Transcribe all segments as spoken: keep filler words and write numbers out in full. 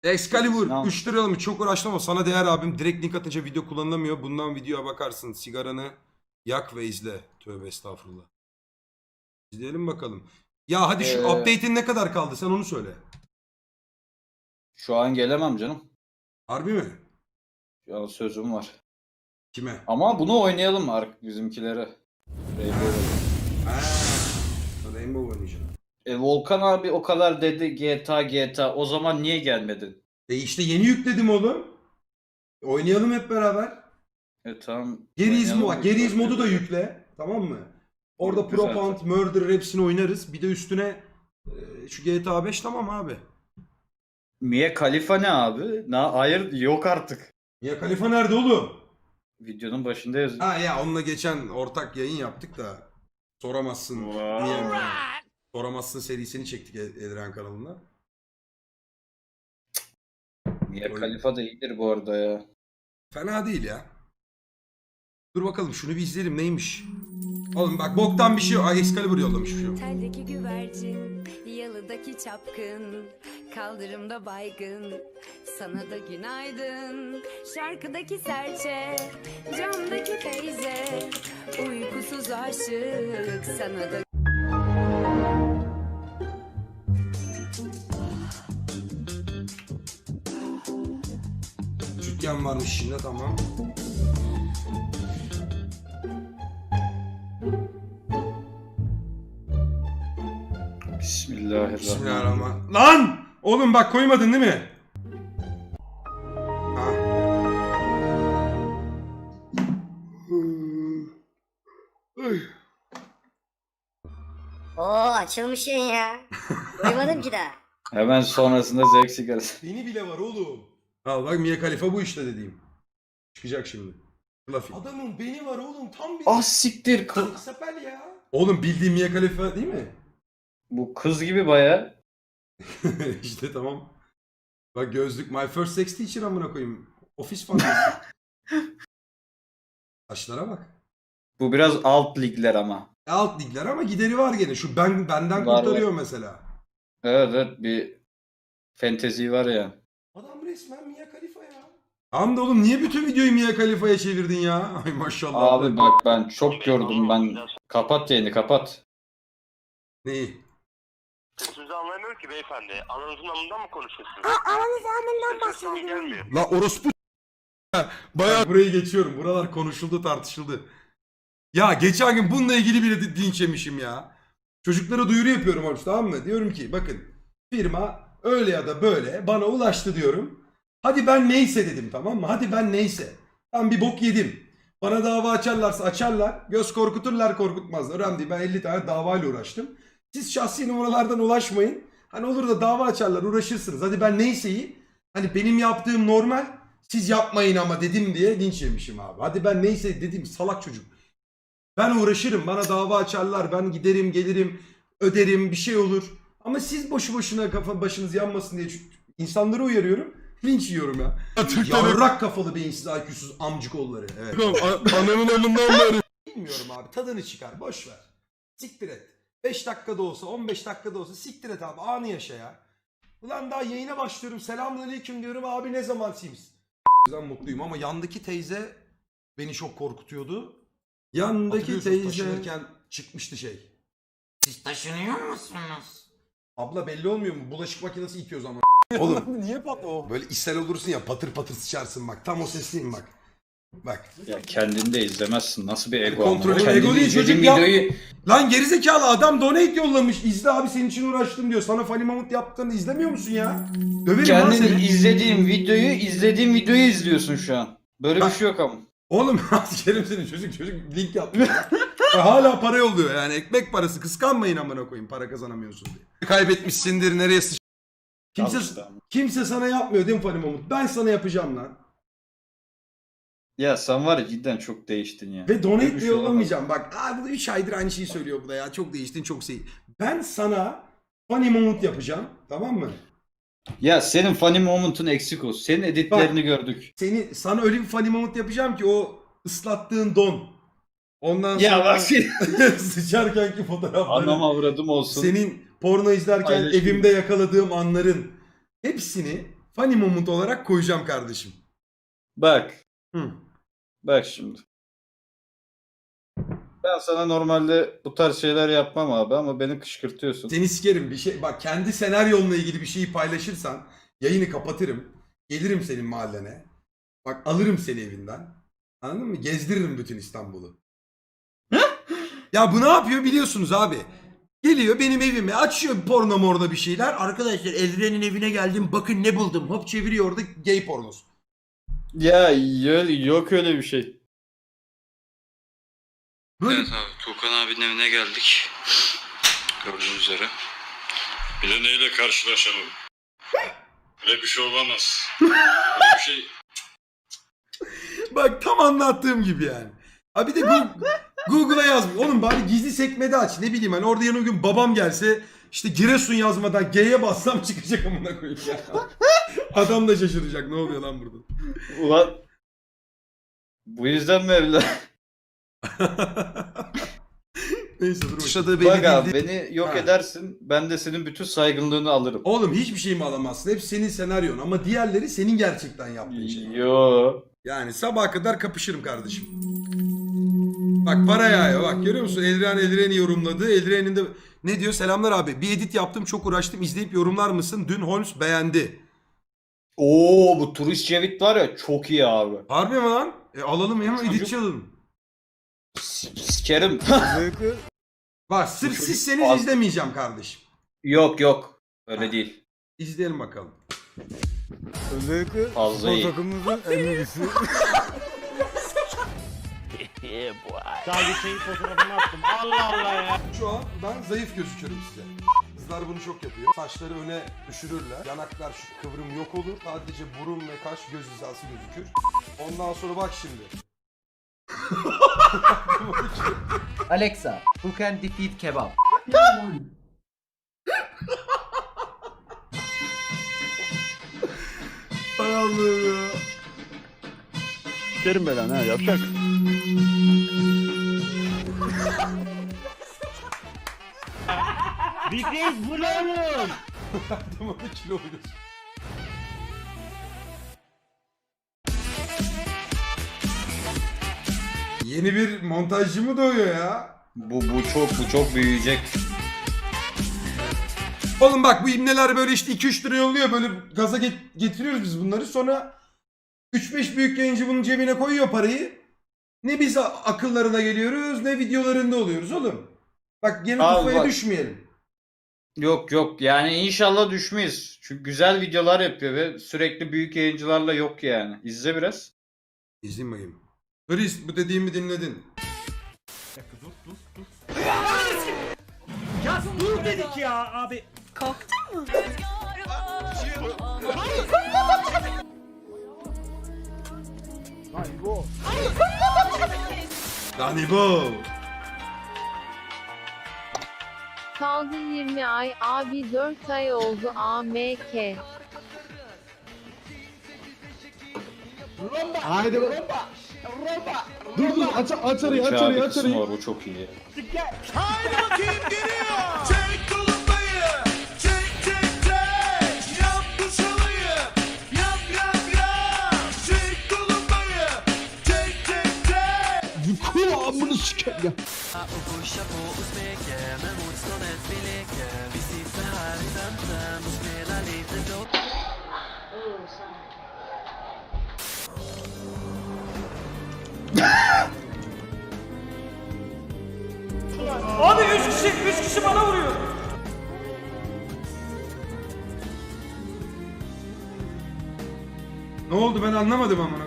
Excalibur Al. üç lira mı? Çok uğraştım ama sana değer abim. Direkt link atınca video kullanılamıyor. Bundan videoya bakarsın. Sigaranı yak ve izle. Tövbe estağfurullah. İzleyelim bakalım. Ya hadi şu Ee, update'in ne kadar kaldı? Sen onu söyle. Şu an gelemem canım. Harbi mi? Şu an sözüm var. Kime? Ama bunu oynayalım artık bizimkilere. Rainbow. Ha, Rainbow oynayacağım. E, Volkan abi o kadar dedi G T A G T A. O zaman niye gelmedin? E işte yeni yükledim oğlum. Oynayalım hep beraber. E tamam. Geriz, oynayalım. mo Geriz modu da yükle. Tamam mı? Orada Güzel. Propound, Murder hepsini oynarız. Bir de üstüne e, şu G T A beş tamam abi. Mia Khalifa ne abi? Na hayır yok artık. Ya Khalifa nerede oğlum? Videonun başında yazıyor. Ha ya onunla geçen ortak yayın yaptık da soramazsın Wow. diye mi? Soramazsın serisini çektik Edren kanalında. Mia Khalifa da iyidir bu arada ya. Fena değil ya. Dur bakalım şunu bir izleyelim neymiş. Oğlum bak boktan bir şey yok. Ay Excalibur yollamış bir şey yok. Teldeki güvercin, yalıdaki çapkın, kaldırımda baygın, sana da günaydın. Şarkıdaki serçe, camdaki teyze, uykusuz aşık, sana da... Dükkan varmış şimdi tamam. Bismillahirrahmanirrahim. Bismillahirrahmanirrahim. Lan! Oğlum bak koymadın değil mi? Ha. Oo açılmış yayın ya. Duymadım ki daha. Hemen sonrasında zevk sigarası. Beni bile var oğlum. Al bak Mia Khalifa bu işte dediğim. Çıkacak şimdi. Fluffy. Adamın beni var oğlum tam bir... Ah siktir. Kız. Sepel ya. Oğlum bildiğin Mia Khalifa değil mi? Bu kız gibi baya. İşte tamam. Bak gözlük My First Sex Teacher amına koyayım. Ofis fantezi. Saçlara bak. Bu biraz alt ligler ama. Alt ligler ama gideri var gene. Şu ben benden Var, kurtarıyor mesela. Evet evet bir fantezi var ya. Adam resmen Mia Khalifa ya. Tamam da oğlum niye bütün videoyu Mia Khalifa'ya çevirdin ya? Ay maşallah. Abi bak ben çok gördüm ben. Kapat yayını kapat. Neyi? Sesinizi anlayamıyorum ki beyefendi. Ananızın amından mı konuşuyorsunuz? Aranız amından Sesim tam gelmiyor. La orospu bayağı burayı geçiyorum. Buralar konuşuldu tartışıldı. Ya geçen gün bununla ilgili bile di- linç yemişim ya. Çocuklara duyuru yapıyorum abi tamam mı? Diyorum ki bakın firma öyle ya da böyle bana ulaştı diyorum. Hadi ben neyse dedim tamam mı? Hadi ben neyse. Ben bir bok yedim. Bana dava açarlarsa açarlar. Göz korkuturlar korkutmazlar. Önemli değil. Ben elli tane davayla uğraştım. Siz şahsi numaralardan ulaşmayın. Hani olur da dava açarlar uğraşırsınız. Hadi ben neyseyi hani benim yaptığım normal siz yapmayın ama dedim diye linç yemişim abi. Hadi ben neyse dedim salak çocuk. Ben uğraşırım bana dava açarlar ben giderim gelirim öderim bir şey olur. Ama siz boşu boşuna kafa başınız yanmasın diye insanları uyarıyorum. Linç yiyorum ya. Yavrak kafalı beyinsiz I Q'suz amcık oğulları. Evet. Anamın amından beri. Bilmiyorum abi tadını çıkar boş ver. Siktir et. beş dakikada olsa on beş dakikada olsa siktir et abi anı yaşa ya. Ulan daha yayına başlıyorum selamünaleyküm diyorum abi ne zaman Sims. Ben mutluyum ama yandaki teyze beni çok korkutuyordu. Yandaki teyze taşınırken çıkmıştı şey. Siz taşınıyor musunuz? Abla belli olmuyor mu? Bulaşık makinesi itiyoruz ama. Oğlum Niye patlı o? böyle ishal olursun ya patır patır sıçarsın bak. Tam o sesliyim bak. Bak. Ya kendini de izlemezsin. Nasıl bir ego Kontrolü ama. ego Kendini değil, izlediğin çocuk ya. videoyu... Lan gerizekalı adam donate yollamış. İzle abi senin için uğraştım diyor. Sana Funny Moment yaptığını izlemiyor musun ya? Döverim lan Kendini seni. izlediğin videoyu izlediğin videoyu izliyorsun şu an. Böyle Ha. bir şey yok ama. Oğlum askerim seni çocuk çocuk link yaptı. Ya. Hala para yolluyor yani ekmek parası kıskanmayın amına koyayım para kazanamıyorsun diye. Kaybetmişsindir nereye sıç... Kimse, Al işte ama. kimse sana yapmıyor değil mi Funny Moment? Ben sana yapacağım lan. Ya sen var ya cidden çok değiştin ya. Ve Böyle bir donate de şey olamaz. yollamayacağım. Bak abi bu üç aydır aynı şeyi söylüyor bu da ya. Çok değiştin çok şey. Ben sana Funny Moment yapacağım. Tamam mı? Ya senin funny moment'un eksik olsun. Senin editlerini gördük. Seni sana öyle bir Funny Moment yapacağım ki o ıslattığın don. Ondan Ya sonra bak seni- sıçarkenki fotoğrafları. Anam avradım olsun. Senin porno izlerken Paylaşayım. evimde yakaladığım anların hepsini funny moment olarak koyacağım kardeşim. Bak. Hı. Bak şimdi. Ben sana normalde bu tarz şeyler yapmam abi ama beni kışkırtıyorsun. Seni sikerim bir şey. Bak kendi senaryonla ilgili bir şeyi paylaşırsan yayını kapatırım. Gelirim senin mahallene. Bak alırım seni evinden. Anladın mı? Gezdiririm bütün İstanbul'u. Ya bu ne yapıyor biliyorsunuz abi. Geliyor benim evime açıyor porno morda bir şeyler. Arkadaşlar Eldiren'in evine geldim bakın ne buldum. Hop çeviriyor orada gay pornosu. Ya yo- yok öyle bir şey. Böyle Evet abi Tuğkan abinin evine geldik. Gördüğünüz üzere. Bir de neyle karşılaşalım? Öyle bir şey olamaz. Öyle bir şey... bak tam anlattığım gibi yani. Ha bir de Google, Google'a yazmış. Oğlum bari gizli sekmede aç. Ne bileyim hani orada yarın bir gün babam gelse işte Giresun yazmadan G'ye bassam çıkacak amına koyayım ya. Adam da şaşıracak. Ne oluyor lan burada? Ulan bu yüzden mi evlen? Neyse dur bakayım. Bak abi beni yok Ha. edersin. Ben de senin bütün saygınlığını alırım. Oğlum hiçbir şey mi alamazsın? Hep senin senaryon ama diğerleri senin gerçekten yaptığın şey. Yo. Yani sabaha kadar kapışırım kardeşim. Bak para yağıyor bak görüyor musun? Eldiren Eldiren'i yorumladı. Eldiren'in de ne diyor? Selamlar abi. Bir edit yaptım çok uğraştım. İzleyip yorumlar mısın? Dün Holmes beğendi. Oo bu turist Cevit var ya çok iyi abi. Harbi mi lan? E alalım hemen Çocuk- editçi alalım. S- Sikerim. Bak sırf çocuk- sizseniz Az- izlemeyeceğim kardeşim. Yok yok. Öyle Ha. değil. İzleyelim bakalım. Özellikle Fazla spor iyi. takımımızın en iyisi. Daha geçen fotoğrafını attım. Allah Allah ya. Şu an ben zayıf gözüküyorum size. Kızlar bunu çok yapıyor. Saçları öne düşürürler. Yanaklar şu kıvrım yok olur. Sadece burun ve kaş göz hizası gözükür. Ondan sonra bak şimdi. Alexa, who can defeat kebab? Hay Allah'ım ya. Sikerim belanı ha yapacak. Big Reis bu ne oğlum? Tamam da kilo oluyorsun. Yeni bir montajcı mı doğuyor ya? Bu bu çok bu çok büyüyecek. Oğlum bak bu imneler böyle işte iki üç lira yolluyor böyle gaza get- getiriyoruz biz bunları sonra üç beş büyük yayıncı bunun cebine koyuyor parayı. Ne biz a- akıllarına geliyoruz ne videolarında oluyoruz oğlum. Bak yeni Abi tufaya bak. düşmeyelim. Yok yok yani inşallah düşmeyiz. Çünkü güzel videolar yapıyor ve sürekli büyük yayıncılarla yok yani. İzle biraz. İzleyin bakayım. Chris bu dediğimi dinledin. Ya dur dedik ya abi. Dani bu. Kaldı yirmi ay, abi dört ay oldu A M K. Haydi bak. Dur dur aç aç arayı aç Uçağı arayı bir aç kısmı arayı. var bu çok iyi. Haydi bakayım geliyor. Çek tulumbayı. Çek çek çek. Yap bu çalıyı. Yap yap yap. Çek tulumbayı. Çek çek çek. Kulağımını siker ya. Abi üç kişi üç kişi bana vuruyor. Ne oldu ben anlamadım amına.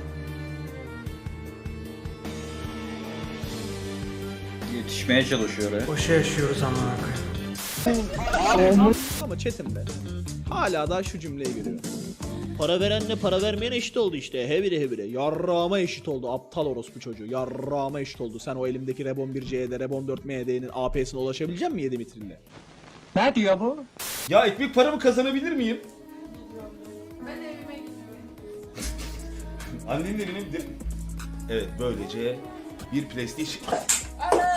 Yetişmeye çalışıyor ya. Boşa yaşıyoruz amına Ama chatimde hala daha şu cümleyi görüyorum. Para verenle para vermeyen eşit oldu işte. Hevire hevire. Yarrağıma eşit oldu. Aptal orospu çocuğu. Yarrağıma eşit oldu. Sen o elimdeki Rebon bir C'de, Rebon dört M D'nin A P'sine ulaşabilecek misin yedi mitrille? Ne diyor bu? Ya ekmek paramı kazanabilir miyim? Ben evime gittim. Annenin evine gidelim. Evet böylece bir PlayStation.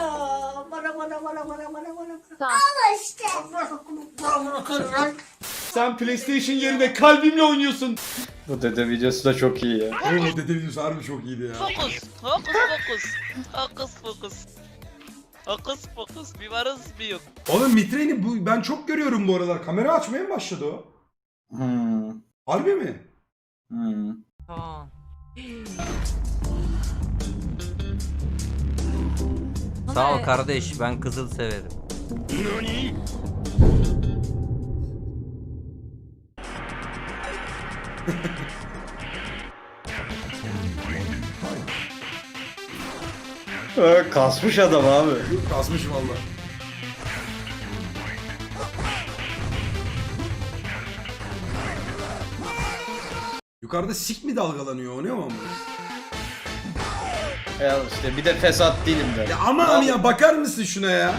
Sağ. Sen PlayStation yerine kalbimle oynuyorsun. Bu dede videosu da çok iyi ya. Oo dede videosu harbi çok iyiydi ya. Fokus, fokus, fokus. Fokus, fokus. Fokus, fokus. Bir varız bir yok. Oğlum Mitre'ni bu ben çok görüyorum bu aralar. Kamera açmaya mı başladı o? Hmm. Harbi mi? Hmm. Tamam. Sağ ol kardeş, ben kızıl severim. Ee, kasmış adam abi. Kasmış valla. Yukarıda sik mi dalgalanıyor o ne o ama? Ya işte bir de fesat değilim ben. Ya aman ya bakar mısın şuna ya?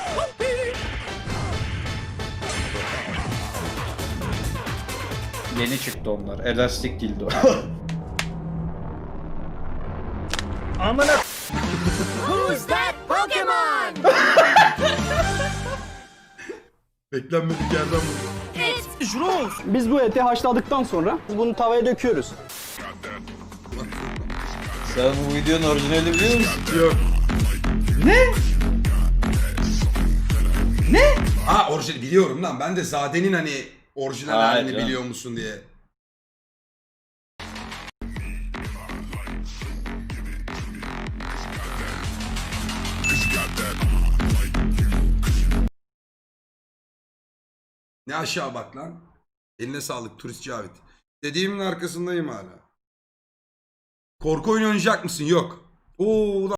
Yeni çıktı onlar. Elastik dildo. Amına Who's that Pokemon? Beklenmedik yerden vurdu. Biz bu eti haşladıktan sonra bunu tavaya döküyoruz. Sen bu videonun orijinali biliyor musun? Yok. Ne? Ne? Ha orijinal biliyorum lan. Ben de Zade'nin hani orijinal Hayır halini canım. biliyor musun diye. Ne aşağı bak lan. Eline sağlık turist Cavit. Dediğimin arkasındayım hala. Korku oyunu oynayacak mısın? Yok. Oo